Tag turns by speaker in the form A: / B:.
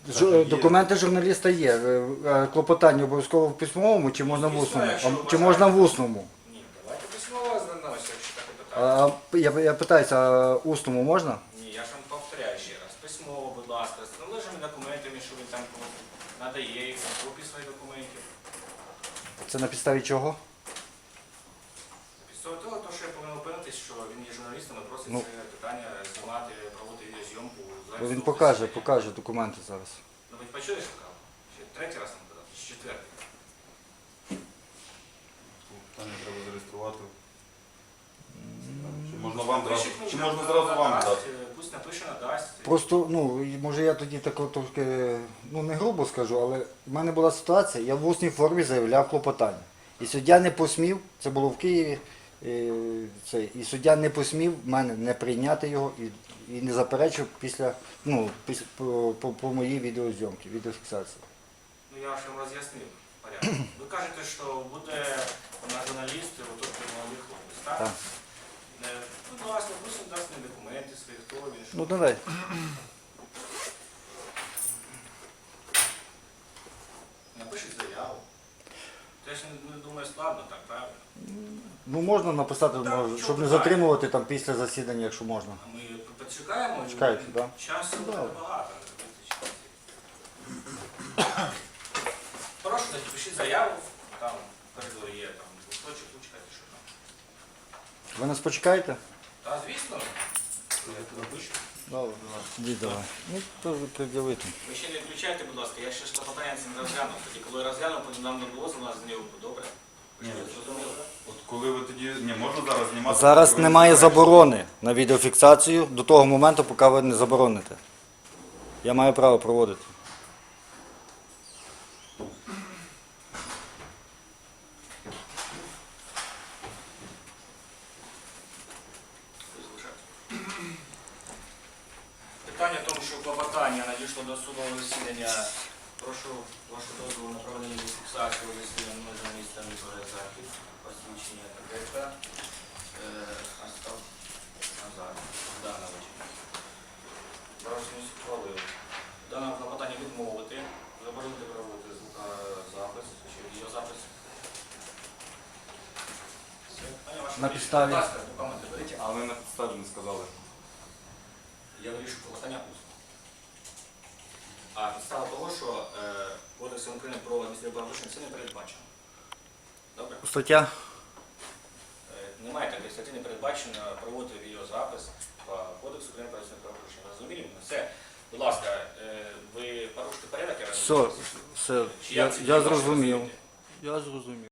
A: Документи журналіста є. Клопотання обов'язково в письмовому чи можна в усному? Чи можна в усному?
B: Ні, давайте письмово звернемося, якщо таке питання.
A: Я питаюся, а усному можна?
B: Ні, я ж вам повторяю ще раз. Письмово, будь ласка, з належними документами, що він там надає, їх копії своїх документів.
A: Це на підставі чого?
B: Після того, що я повинен впевнитись, що він є журналістом і просить
A: Ну.
B: це питання знімати, проводити відеозйомку.
A: Він покаже документи зараз.
B: Ну ви почули, що казав? Ще третій раз нам казав, чи четвертий?
C: Питання треба зареєструвати. Чи можна вам
B: Напишіть
C: зразу?
B: мені,
C: Чи можна зразу вам
B: надасть,
C: дати?
B: Пусть напише, надасть.
A: Просто, може я тоді так трошки, не грубо скажу, але в мене була ситуація, я в усній формі заявляв клопотання. І суддя не посмів, це було в Києві, і суддя не посмів в мене не прийняти його і не заперечив по моїй відеозйомці, відеофіксації.
B: Ну я ж вам роз'яснив порядок. Ви кажете, що буде на журналісти, отут молодий хлопець, так?
A: Так.
B: Будь ласка, пусть він дасть мені документи свої, хто він, що.
A: Ну давай.
B: Напишіть заяву. Це ж не думаю складно, так, правильно?
A: Ну можна написати, щоб не затримувати там після засідання, якщо можна.
B: А ми почекаємо.
A: Чекайте, так?
B: Часу
A: Да.
B: небагато. Прошу, тоді пишіть заяву, там в коридорі є там листочок, ручка, чи що там.
A: Ви нас почекаєте?
B: Та звісно, я туди пишу.
A: Добре. Давай. Ну, то пред'явити.
B: Ви ще не включайте, будь ласка, я ще ж клопотання це не розглянув. Тоді, коли розглянув, потім нам не було з нас з нього добре. Ви ж
C: Ні.
B: зрозуміли, так?
C: От коли ви тоді... Ні, можна зараз знімати?
A: Зараз
C: коли ви
A: немає
C: не
A: заборони на відеофіксацію до того моменту, поки ви не забороните. Я маю право проводити.
B: Питання в тому, що клопотання надійшло до судового засідання. Прошу вашу дозволу на проведення фіксації у засіданні межа міста Миколаїв Захід, посвідчення ТКП, Астав Назар, Данович. Розмість ухвалив. Дане клопотання відмовити, заборонити проводити запис, чи відеозапис. Все. Питання ваше
A: На
B: вирішено.
A: підставі.
B: Будь ласка, документи беріть.
C: Але на підставі не сказали.
B: Я вирішу клопотання усно. А підстава того, що Кодексом України про адміністративне правопорушення це не передбачено. Добре?
A: Стаття?
B: Немає такої статті, не передбачено проводити відеозапис по Кодексу України про адміністративне правопорушення. Розуміли мене? Все. Будь ласка, ви порушите порядок, я
A: Все,
B: розумію.
A: все.
B: Чи як це
A: Я
B: ваше
A: зрозумів.
B: розумієте?
A: Я зрозумів.